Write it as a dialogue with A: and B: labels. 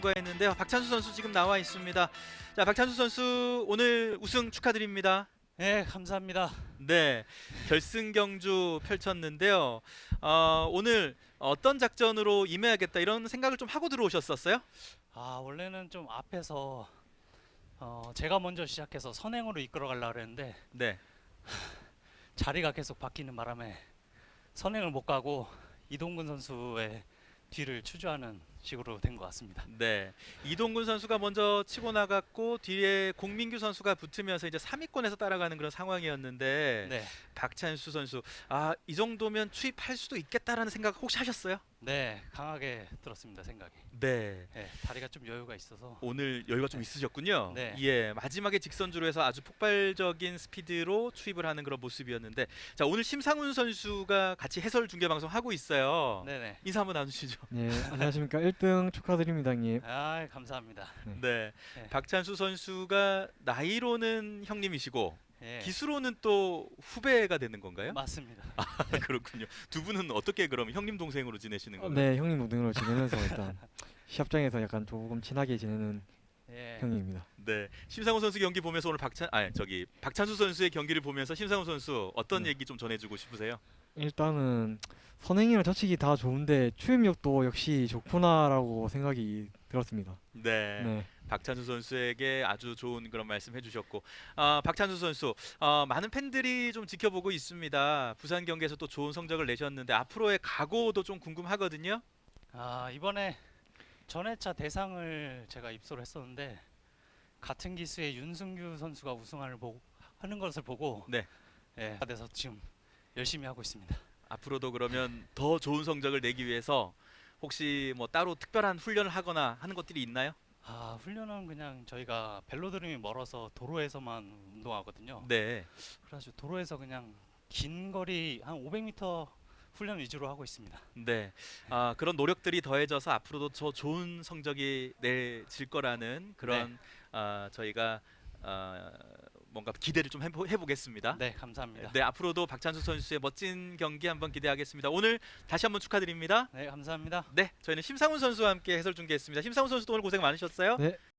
A: 했는데 박찬수 선수 지금 나와 있습니다. 자, 박찬수 선수 오늘 우승 축하드립니다.
B: 네, 감사합니다.
A: 네, 결승 경주 펼쳤는데요. 오늘 어떤 작전으로 임해야겠다 이런 생각을 좀 하고 들어오셨었어요?
B: 원래는 좀 앞에서 제가 먼저 시작해서 선행으로 이끌어 가려고 했는데
A: 네,
B: 자리가 계속 바뀌는 바람에 선행을 못 가고 이동근 선수의 뒤를 추주하는 식으로 된 것 같습니다.
A: 네. 이동근 선수가 먼저 치고 나갔고 뒤에 공민규 선수가 붙으면서 이제 3위권에서 따라가는 그런 상황이었는데
B: 네,
A: 박찬수 선수 이 정도면 추입할 수도 있겠다라는 생각 혹시 하셨어요?
B: 네, 강하게 들었습니다 생각이.
A: 네.
B: 네, 다리가 좀 여유가 있어서.
A: 오늘 여유가 좀
B: 네.
A: 있으셨군요.
B: 네.
A: 예, 마지막에 직선주로 해서 아주 폭발적인 스피드로 추입을 하는 그런 모습이었는데, 자 오늘 심상훈 선수가 같이 해설 중계 방송 하고 있어요.
B: 네네.
A: 인사 한번 나누시죠.
C: 네, 안녕하십니까. 1등 축하드립니다, 형님.
B: 감사합니다.
A: 네,
B: 네.
A: 박찬수 선수가 나이로는 형님이시고
B: 예,
A: 기수로는 또 후배가 되는 건가요?
B: 맞습니다.
A: 그렇군요. 두 분은 어떻게 그럼 형님 동생으로 지내시는 거예요?
C: 네, 형님 동생으로 지내면서 일단 시합장에서 약간 조금 친하게 지내는
B: 예,
C: 형님입니다.
A: 네, 심상훈 선수 경기 보면서 오늘 박찬수 선수의 경기를 보면서 심상훈 선수 어떤
C: 네.
A: 얘기 좀 전해주고 싶으세요?
C: 일단은 선행이랑 저치기 다 좋은데 추임력도 역시 좋구나라고 생각이 들었습니다.
A: 네.
C: 네.
A: 박찬수 선수에게 아주 좋은 그런 말씀 해주셨고, 박찬수 선수 많은 팬들이 좀 지켜보고 있습니다. 부산 경기에서 또 좋은 성적을 내셨는데 앞으로의 각오도 좀 궁금하거든요.
B: 이번에 전회차 대상을 제가 입소를 했었는데 같은 기수의 윤승규 선수가 하는 것을 보고
A: 네.
B: 예, 그래서 지금 열심히 하고 있습니다.
A: 앞으로도 그러면 더 좋은 성적을 내기 위해서 혹시 뭐 따로 특별한 훈련을 하거나 하는 것들이 있나요?
B: 훈련은 그냥 저희가 벨로드림이 멀어서 도로에서만 운동하거든요.
A: 네.
B: 그래가지고 도로에서 그냥 긴 거리 한 500m 훈련 위주로 하고 있습니다.
A: 네. 그런 노력들이 더해져서 앞으로도 더 좋은 성적이 내질 거라는 그런 저희가 뭔가 기대를 좀 해보겠습니다.
B: 네, 감사합니다.
A: 네, 앞으로도 박찬수 선수의 멋진 경기 한번 기대하겠습니다. 오늘 다시 한번 축하드립니다.
B: 네, 감사합니다.
A: 네, 저희는 심상훈 선수와 함께 해설 중계했습니다. 심상훈 선수도 오늘 고생 많으셨어요.
C: 네.